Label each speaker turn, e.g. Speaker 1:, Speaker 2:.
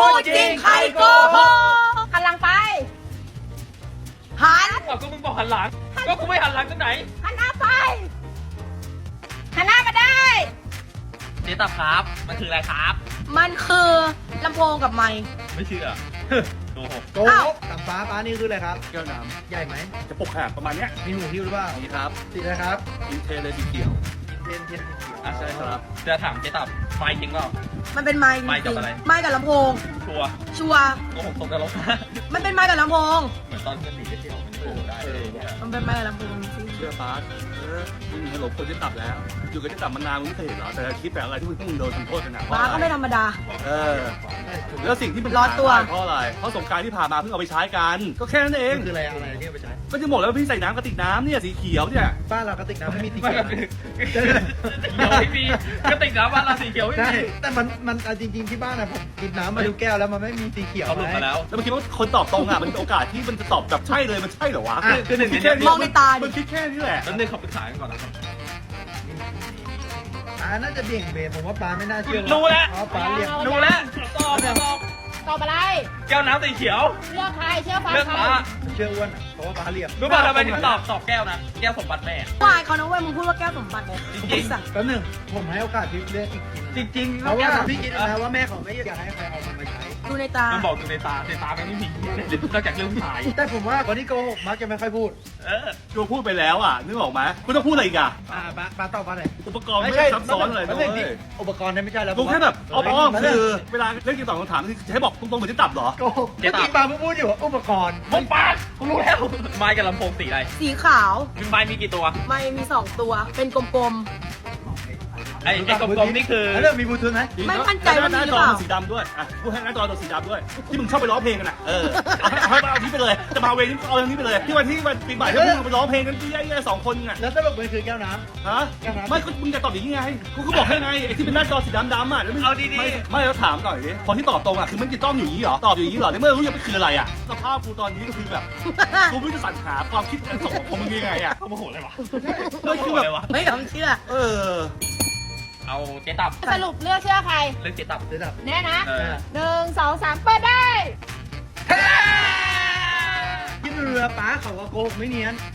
Speaker 1: พูดจริงใครโกหกหันหลังไปหัน
Speaker 2: ก็มึงบอกหันหลังก็กูไม่หันหลังตรงไหน
Speaker 1: หันหน้าไปหันหน้ามาได้
Speaker 2: เจ๊ตับครับมันคืออะไรครับ
Speaker 1: มันคือลำโพงกับไมค์
Speaker 2: ไม่เชื่อโกหก
Speaker 3: โกหกกับฟ้านี่คืออะไรครับแก้วน้ำใหญ่ไหม
Speaker 4: จะปกขนาดประมาณเนี้ย
Speaker 3: มีหูหิ้วหรือเปล่า
Speaker 4: นี่ครับ
Speaker 3: สีอะไรครับ
Speaker 4: อินเทเลยสีเขียว
Speaker 3: เทียนสีเขียว
Speaker 2: อ่ะใช่ครับจะถามเจ๊ตับไฟจริงเปล่า
Speaker 1: มันเป็นไมค์
Speaker 2: ไมค์กับอะไร
Speaker 1: ไมค์กับลำโพง
Speaker 2: ชัวร์
Speaker 1: ชัวร์
Speaker 2: โกหกตรงกันลบ
Speaker 1: มันเป็นไมค์กับลำโพง
Speaker 2: เหมือนตอนเพื่อนหนีไปเที่ยวมันโกหกได้เลยเนี่ย
Speaker 1: มันเป็นไมค์กับลำโพงจริง
Speaker 4: เชื่อฟ้ามึงให้หลบคนที่ตับแล้ว อยู่กับที่ตับมานานมึงไม่เคยเห็นเหรอแต่คลิปแบบอะไรที่มึงโดนทำโทษกันนะ
Speaker 1: ฟ้าก็ไม่ธรรมดา
Speaker 4: เออแล้วสิ่งที่มัน
Speaker 1: ร้อนตัว
Speaker 4: เพราะอะไรเพราะสงกรารที่ผ่านมาเพิ่งเอาไปใช้กันก็แค่นั้นเอง
Speaker 3: คืออะไรที่เอาไปใช้
Speaker 4: ก็จะหมดแล้วพี่ใส่น้ำกระติกน้ำเนี่ยสีเขียวเนี่ย
Speaker 3: บ้านเรากระติกน้ำไม่มีสี
Speaker 2: ไม่
Speaker 3: เขียว
Speaker 2: เขียวไม่มีกระติกน้ำบ้านเราสีเขียวไม่
Speaker 3: ใช่
Speaker 2: มี
Speaker 3: แต่มันจริงๆที่บ้านนะผมกินน้ำมาดูแก้วแล้วมันไม่มีสีเขียว
Speaker 2: เขาหลุดมาแล้ว
Speaker 4: แล้วมันคิดว่าคนตอบตรงอ่ะมันโอกาสที่มันจะตอบแบบใช่เลยมันใช่เหรอวะ
Speaker 2: คือหนึ่งใน
Speaker 4: แค่
Speaker 2: นี้
Speaker 1: มองในตาดิ
Speaker 4: มันคิดแค่นี้แหละ
Speaker 2: แล้วนึงเขาปรึกษากันก่อนนะครับ
Speaker 3: น่าจะเบี่ยงเบนผมว่าปลาไม่น่าเชื่อ
Speaker 2: รู้แล้ว
Speaker 3: เพราะปลาเรียก
Speaker 2: รู้แล้วตอบ
Speaker 1: ตอบอะไร
Speaker 2: แก้วน้ำสีเขียว
Speaker 1: เลือกใครเชื่อฟ้า
Speaker 2: เลือก
Speaker 1: ใคร
Speaker 2: ฟ้า
Speaker 3: เชื่ออ้วนเพราะว่าปลาเรียก
Speaker 2: รู้ป่ะทำไมถึงตอบแก้วนะแก้วสมบัติแม่
Speaker 1: วายเขานะเว้ยมึงพูดว่าแก้วสมบัติเลย
Speaker 2: จริงๆ
Speaker 1: สัตว์
Speaker 3: แป๊บหนึงผมให้โอกาสพี่เลือกอีกที
Speaker 2: จริงๆ
Speaker 3: เพราะว่าพี่คิด
Speaker 2: นะ
Speaker 3: นะว่าแม่เขาไม่อยากให้ใครเอามันมาใช้
Speaker 1: ดูในตา
Speaker 2: มันบอกอยู่ในตาไม่มีเดี๋ยวนอกจากเรื่องผู้ชาย
Speaker 3: แต่ผมว่าคนที่โกหกมักจะไม่ค่อยพูด
Speaker 4: กูพูดไปแล้วอ่ะนึกออกไหมกูต้องพูดอะไรอีกอ่ะ
Speaker 3: ปลาตอบว่าอะไร
Speaker 4: อุปกรณ์ไม่ได้ซับซ้อนอะไร
Speaker 3: ไม่
Speaker 4: นะ
Speaker 3: ใช่
Speaker 4: เว้ย
Speaker 3: อุปกรณ์เนี่ยไม่ใช่แล้ว
Speaker 4: กูแค่แบบอ้อมๆคือเวลาเล่นเกมตอบคำถามคือจะให้บอกตรงๆเหมือนที่ตับเหรอ
Speaker 3: โกหกเมื่อกี้ปลาเพิ่งพูดอยู่ว่าอุปกรณ์
Speaker 2: ผมปาดกูรู้แล้วไม้กับลำโพงสีอะไร
Speaker 1: สีขาว
Speaker 2: ไม้มีกี่ตัว
Speaker 1: ไมค์มี2ตัว เป็นกลม
Speaker 2: ไอ้กลมๆนี่คือ
Speaker 3: แล้วเรื่องมีบลูทูธไหม
Speaker 1: ไม่มั่นใจว่ามีหรือเปล่า
Speaker 4: หน้าจอมันสีดำด้วยอ่ะพูดให้หน้าจอตัวสีดำด้วยที่มึงชอบไปร้องเพลงกันอ่ะเอาที่ไปเลยจะมาเวรนี้เอาอย่างนี้ไปเลยที่วันปีใหม่ที่มึงไปร้องเพลงกันที่แย่ๆ2 คนไง
Speaker 3: แล้วสรุปมันคือแก้วน้
Speaker 4: ฮะไม่ก็มึงจะตอบอย่างนี้ไงกูก็บอกให้ไงไอ้ที่เป็นหน้าจอสีดำๆอ่ะแล้วมึง
Speaker 2: เอาดี
Speaker 4: ไม่แล้วถามหน่อยดิคนที่ตอบตรงอ่ะคือมันจะต้องอยู่อย่างนี้เหรอตอบอยู่อย่างนี้เหรอในเมื่อรู้ยังไม่คืออะไรอ่ะสภาพกูตอนนี้ก็คือแบบกูไม่รู้จะสรรหาความคิดของมึงยังไงอ่ะ
Speaker 2: เขาโมโหเลยวะ
Speaker 4: มันคือแบบ
Speaker 1: ๆ ไม่ยอมเชื่อ
Speaker 2: เอาเจ๊ตับ
Speaker 1: สรุปเลือกเชื่อใคร
Speaker 2: เรื่องเจ๊ตับ
Speaker 3: ำเดี๋ยวดับ
Speaker 1: แน่นะ
Speaker 2: เออ
Speaker 1: 1 2 3 เปิดได้
Speaker 3: ที่เรือป้าเขาก็โกหกไม่เนียน